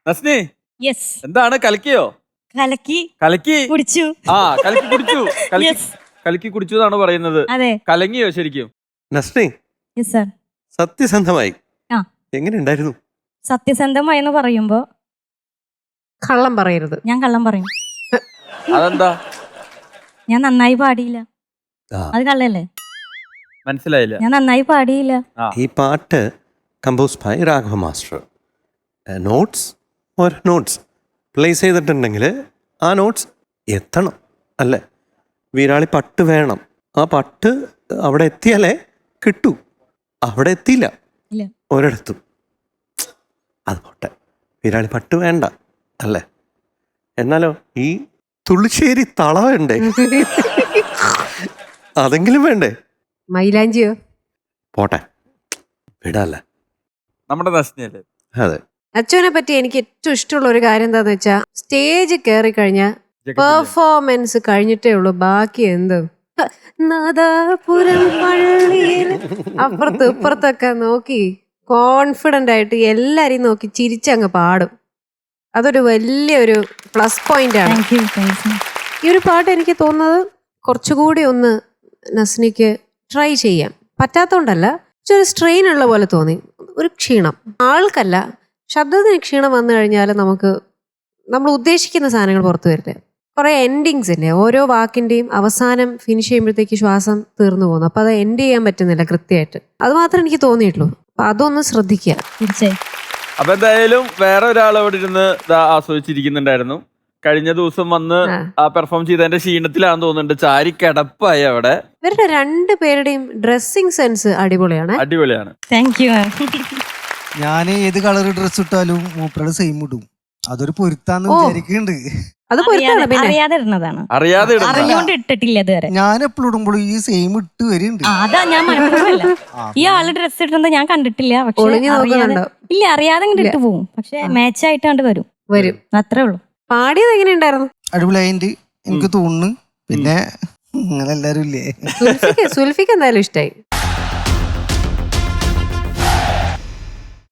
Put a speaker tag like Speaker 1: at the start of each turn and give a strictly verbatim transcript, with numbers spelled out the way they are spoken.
Speaker 1: Nasni
Speaker 2: yes
Speaker 1: എന്താണ് കലക്കിയോ?
Speaker 2: കലക്കി
Speaker 1: കലക്കി
Speaker 2: കുടിച്ചു.
Speaker 1: ആ കലക്കി കുടിച്ചു. കലക്കി
Speaker 2: യെസ്
Speaker 1: കലക്കി കുടിച്ചു എന്നാണ് പറയുന്നത്.
Speaker 2: അതെ.
Speaker 1: കലങ്ങിയോ ശരിക്കും?
Speaker 3: Nasni
Speaker 2: yes sir.
Speaker 3: സത്യസന്ധമായി
Speaker 2: ആ.
Speaker 3: എങ്ങനെ ഉണ്ടായിരുന്നു?
Speaker 2: സത്യസന്ധമായി എന്ന് പറയുമ്പോ
Speaker 4: കള്ളം പറയരുത്.
Speaker 2: ഞാൻ കള്ളം പറയും.
Speaker 1: അതെന്താ?
Speaker 2: ഞാൻ നന്നായി പാടിയില്ല.
Speaker 3: ആ.
Speaker 2: അത് കള്ളല്ലേ?
Speaker 1: മനസ്സിലായില്ല.
Speaker 2: ഞാൻ നന്നായി പാടിയില്ല.
Speaker 3: ഈ പാട്ട് compose by Raghava master. Notes ഒരു നോട്ട്സ് പ്ലേസ് ചെയ്തിട്ടുണ്ടെങ്കിൽ ആ നോട്ട്സ് എത്തണം അല്ലേ? വീരാളി പട്ട് വേണം. ആ പട്ട് അവിടെ എത്തിയാലേ കിട്ടൂ. അവിടെ എത്തിയില്ല
Speaker 2: ഇല്ല.
Speaker 3: ഒരിടത്തും. അത് പോട്ടെ, വീരാളി പട്ട് വേണ്ട അല്ലേ? എന്നാലോ ഈ തുള്ളിശ്ശേരി തള വേണ്ടേ? അതെങ്കിലും വേണ്ടേ?
Speaker 4: മൈലാഞ്ചിയോ?
Speaker 3: പോട്ടെ, വിടല്ലേ.
Speaker 1: നമ്മുടെ നസ്നിയല്ലേ?
Speaker 3: അതെ.
Speaker 4: അച്ഛനെ പറ്റി എനിക്ക് ഏറ്റവും ഇഷ്ടമുള്ള ഒരു കാര്യം എന്താന്ന് വെച്ചാ സ്റ്റേജ് കയറി കഴിഞ്ഞാൽ പെർഫോമൻസ് കഴിഞ്ഞിട്ടേ ഉള്ളൂ ബാക്കി എന്ത്. നാദാപുരം പള്ളിയിൽ അപ്പുറത്ത് ഇപ്പുറത്തൊക്കെ നോക്കി കോൺഫിഡന്റ് ആയിട്ട് എല്ലാരെയും നോക്കി ചിരിച്ചങ്ങ് പാടും. അതൊരു വലിയൊരു പ്ലസ് പോയിന്റ് ആണ്.
Speaker 2: Thank you. താങ്ക്സ്.
Speaker 4: ഈ ഒരു പാട്ട് എനിക്ക് തോന്നുന്നത് കുറച്ചുകൂടി ഒന്ന് നസ്നിക്ക് ട്രൈ ചെയ്യാം. പറ്റാത്തോണ്ടല്ല, ഒരു സ്ട്രെയിൻ ഉള്ള പോലെ തോന്നി. ഒരു ക്ഷീണം ആൾക്കല്ല, ശബ്ദത്തിന് ക്ഷീണം വന്നു കഴിഞ്ഞാൽ നമുക്ക് നമ്മൾ ഉദ്ദേശിക്കുന്ന സാധനങ്ങൾ പുറത്തു വരില്ല. കുറെ എൻഡിങ്സ് ഇല്ലേ, ഓരോ വാക്കിന്റെയും അവസാനം ഫിനിഷ് ചെയ്യുമ്പോഴത്തേക്ക് ശ്വാസം തീർന്നു പോകുന്നു. അപ്പൊ അത് എൻഡ് ചെയ്യാൻ പറ്റുന്നില്ല കൃത്യമായിട്ട്. അത് മാത്രമേ എനിക്ക് തോന്നിയിട്ടുള്ളൂ. അപ്പൊ അതൊന്ന് ശ്രദ്ധിക്കുക
Speaker 2: തീർച്ചയായും.
Speaker 1: അപ്പൊ എന്തായാലും വേറെ ഒരാൾ അവിടെ ഇരുന്ന് ആസ്വദിച്ചിരിക്കുന്നുണ്ടായിരുന്നു. കഴിഞ്ഞ ദിവസം വന്ന് ആ പെർഫോം ചെയ്തതിന്റെ ക്ഷീണത്തിലാണെന്ന് തോന്നുന്നുണ്ട്. ചാരി കിടപ്പായി അവിടെ.
Speaker 4: ഇവരുടെ രണ്ടു പേരുടെയും ഡ്രസ്സിംഗ് സെൻസ് അടിപൊളിയാണ്.
Speaker 1: അടിപൊളിയാണ്.
Speaker 2: Thank you.
Speaker 5: ഞാൻ ഏത് കളർ ഡ്രസ് ഇട്ടാലും മൂപ്പരുടെ സെയിം ഇടും. അതൊരു പൊരുത്താന്ന് വിചാരിക്കുന്നുണ്ട്.
Speaker 4: അത് പൊരുത്താണ്. പിന്നെ
Speaker 2: അറിയാതെ ഇടുന്നതാണ്.
Speaker 1: അറിയാതെ ഇടുന്നതാ.
Speaker 2: അറിഞ്ഞോണ്ട് ഇട്ടിട്ടില്ല ഇതുവരെ.
Speaker 5: ഞാൻ എപ്പോഴും ഇടുമ്പോഴും ഈ സെയിം ഇട്ട് വരുന്നുണ്ട്.
Speaker 2: ആ, അതാ ഞാൻ മനസ്സിലല്ല. ഈ ആള് ഡ്രസ് ഇടുന്നത് ഞാൻ കണ്ടിട്ടില്ല. പക്ഷെ
Speaker 4: ഒളിഞ്ഞു
Speaker 2: അറിയാതെ
Speaker 4: നോക്കുന്നുണ്ടോ?
Speaker 2: ഇല്ല, അറിയാതെ ഇങ്ങോട്ട് ഇട്ട് പോകും. പക്ഷെ മാച്ച് ആയിട്ട് കണ്ട് വരും
Speaker 4: വരും.
Speaker 2: അത്രേ ഉള്ളൂ.
Speaker 4: പാടിയത് എങ്ങനെയുണ്ടായിരുന്നു?
Speaker 5: അടിപൊളിയായിട്ട് എനിക്ക് തോന്നുന്നു. പിന്നെ നിങ്ങൾ എല്ലാരും ഇല്ലേ?
Speaker 4: സുൽഫിക്ക് സുൽഫിക്ക് എന്തായാലും ഇഷ്ടായി.